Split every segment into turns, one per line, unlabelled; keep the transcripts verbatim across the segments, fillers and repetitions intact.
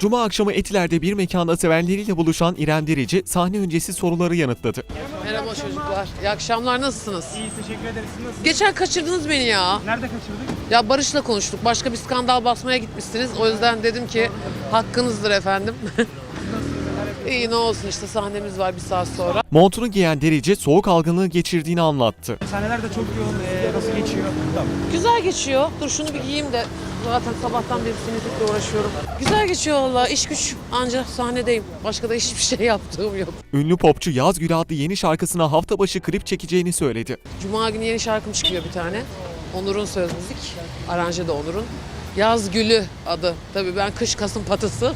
Cuma akşamı Etiler'de bir mekanda sevenleriyle buluşan İrem Derici sahne öncesi soruları yanıtladı.
Merhaba çocuklar. İyi akşamlar. Nasılsınız?
İyi, teşekkür ederiz. Siz nasılsınız?
Geçen kaçırdınız beni ya.
Nerede kaçırdık?
Ya Barış'la konuştuk. Başka bir skandal basmaya gitmişsiniz. O yüzden dedim ki hakkınızdır efendim. İyi, ne olsun işte, sahnemiz var bir saat sonra.
Montunu giyen Derici soğuk algınlığı geçirdiğini anlattı.
Sahneler de çok yoğun. Ee, nasıl geçiyor? Tamam.
Güzel geçiyor. Dur şunu bir giyeyim de zaten sabahtan beri sinirlikle uğraşıyorum. Güzel geçiyor valla. İş güç, anca sahnedeyim. Başka da hiçbir şey yaptığım yok.
Ünlü popçu Yaz Gülü adlı yeni şarkısına hafta başı klip çekeceğini söyledi.
Cuma günü yeni şarkım çıkıyor bir tane. Onur'un söz müzik. Aranje de Onur'un. Yaz Gülü adı. Tabii ben kış Kasım patısı.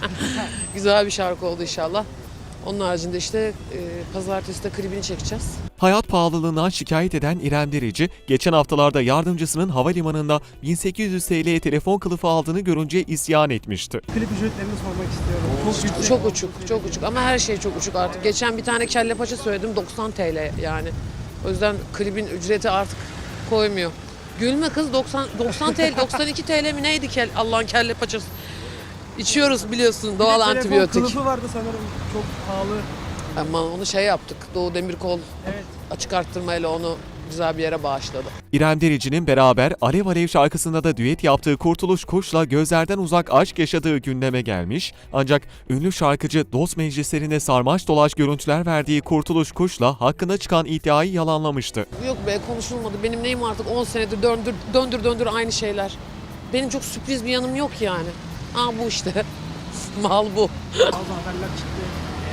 Güzel bir şarkı oldu inşallah. Onun haricinde işte e, pazartesi de klibini çekeceğiz.
Hayat pahalılığından şikayet eden İrem Derici, geçen haftalarda yardımcısının havalimanında bin sekiz yüz TL'ye telefon kılıfı aldığını görünce isyan etmişti.
Klip ücretlerini sormak istiyorum. Çok yüksek.
Çok uçuk, çok uçuk ama her şey çok uçuk artık. Geçen bir tane kelle paça söyledim, doksan TL yani. O yüzden klibin ücreti artık koymuyor. Gülme kız, doksan, doksan TL, doksan iki TL mi neydi kel, Allah'ın kelle paçası. İçiyoruz biliyorsun, doğal
Bir de telefon
antibiyotik.
kılıfı vardı sanırım. Çok pahalı.
Ama onu şey yaptık, Doğu Demirkol
Evet.
açık arttırmayla onu güzel bir yere bağışladı.
İrem Derici'nin beraber Alev Alev şarkısında da düet yaptığı Kurtuluş Kuş'la gözlerden uzak aşk yaşadığı gündeme gelmiş. Ancak ünlü şarkıcı dost meclislerinde sarmaş dolaş görüntüler verdiği Kurtuluş Kuş'la hakkında çıkan iddiayı yalanlamıştı.
Yok be, konuşulmadı. Benim neyim artık on senedir döndür döndür döndür aynı şeyler. Benim çok sürpriz bir yanım yok yani. Aa bu işte. Mal bu.
Bazı haberler çıktı.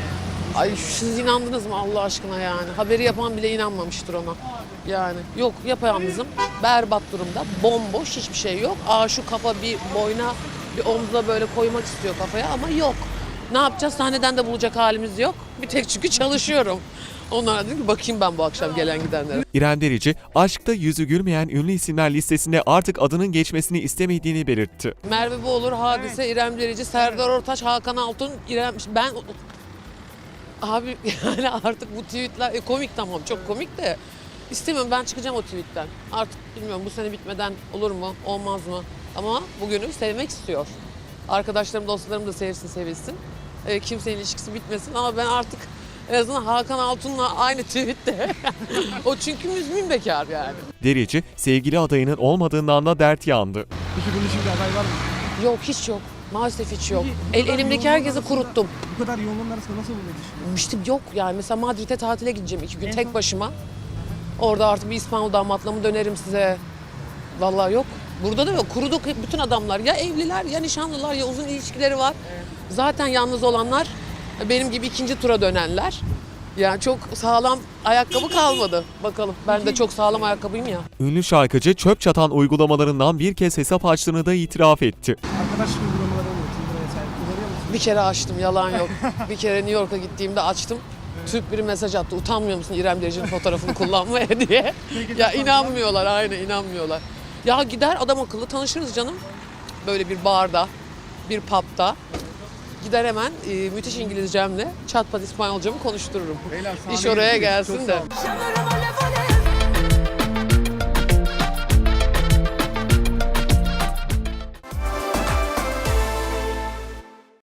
Ay siz inandınız mı Allah aşkına yani? Haberi yapan bile inanmamıştır ona. Yani yok, yapayalnızım. Berbat durumda. Bomboş, hiçbir şey yok. Aa şu kafa bir boyna, bir omza böyle koymak istiyor kafaya ama yok. Ne yapacağız? Sahneden de bulacak halimiz yok. Bir tek çünkü çalışıyorum. Onlara dedim ki bakayım ben bu akşam gelen gidenlere.
İrem Derici, aşkta yüzü gülmeyen ünlü isimler listesinde artık adının geçmesini istemediğini belirtti.
Merve Boğulur, Hadise, İrem Derici, Serdar Ortaç, Hakan Altun, İrem... Ben... Abi yani artık bu tweetler e, komik, tamam çok komik de istemiyorum, ben çıkacağım o tweetten. Artık bilmiyorum bu sene bitmeden olur mu olmaz mı ama bugünü sevmek istiyor. Arkadaşlarım, dostlarım da sevsin, sevilsin. E, kimsenin ilişkisi bitmesin ama ben artık en azından Hakan Altun'la aynı tweette. O çünkü müzmin bekar yani.
Derici, sevgili adayının olmadığından da dert yandı.
Peki bunun için bir aday var mı?
Yok, hiç yok. Maalesef hiç yok.
Peki, bu
El,
kadar
elimdeki
yoğunluğun
herkesi
arasında-
kuruttum.
Bu kadar yoğunluğun arasında nasıl bulmayı düşünüyorsun?
İşte yok yani, mesela Madrid'e tatile gideceğim iki gün
En
tek
son-
başıma. Orada artık bir İspanyol damatla mı dönerim size? Vallahi yok. Burada da yok. Kuruduk hep, bütün adamlar. Ya evliler ya nişanlılar ya uzun ilişkileri var. Zaten yalnız olanlar benim gibi ikinci tura dönenler. Yani çok sağlam ayakkabı kalmadı. Bakalım. Ben de çok sağlam ayakkabıyım ya.
Ünlü şarkıcı çöp çatan uygulamalarından bir kez hesap açtığını da itiraf etti.
Arkadaş uygulamaları oluyor. Tinder'a vesaire. Kullanıyor musun?
Bir kere açtım, yalan yok. Bir kere New York'a gittiğimde açtım. Türk biri mesaj attı. Utanmıyor musun İrem Derici'nin fotoğrafını kullanmaya diye. Ya inanmıyorlar, aynen inanmıyorlar. Ya gider adam akıllı tanışırız canım. Böyle bir barda, bir pub'da. Gider hemen e, müthiş İngilizcemle çat pat İspanyolcamı konuştururum.
Beyler,
İş
sahneye
oraya
gidiyoruz.
gelsin
Çok
de.
sağ olun.
Yanarım alev